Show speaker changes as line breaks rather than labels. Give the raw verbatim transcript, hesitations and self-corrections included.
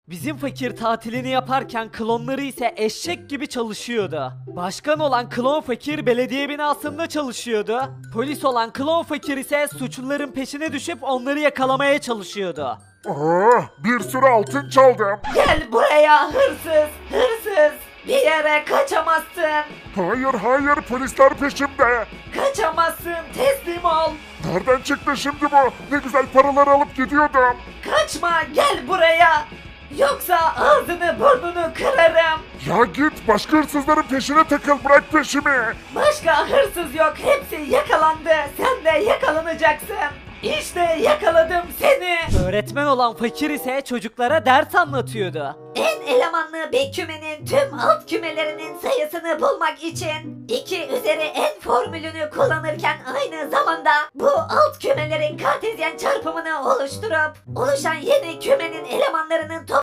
Bizim fakir tatilini yaparken klonları ise eşek gibi çalışıyordu. Başkan olan klon fakir belediye binasında çalışıyordu. Polis olan klon fakir ise suçluların peşine düşüp onları yakalamaya çalışıyordu.
Aa, bir sürü altın çaldım.
Gel buraya hırsız, hırsız. Bir yere kaçamazsın.
Hayır hayır polisler peşimde.
Kaçamazsın, teslim ol.
Nereden çıktı şimdi bu? Ne güzel paraları alıp gidiyordum.
Kaçma, gel buraya. Yoksa ağzını burnunu kırarım.
Ya git başka hırsızların peşine takıl bırak peşimi.
Başka hırsız yok, hepsi yakalandı. Sen de yakalanacaksın. İşte yakaladım seni.
Öğretmen olan fakir ise çocuklara ders anlatıyordu.
En elemanlı bir kümenin tüm alt kümelerinin sayısını bulmak için iki üzeri n formülünü kullanırken aynı zamanda bu alt kümelerin kartezyen çarpımını oluşturup oluşan yeni kümenin elemanlarının toplamı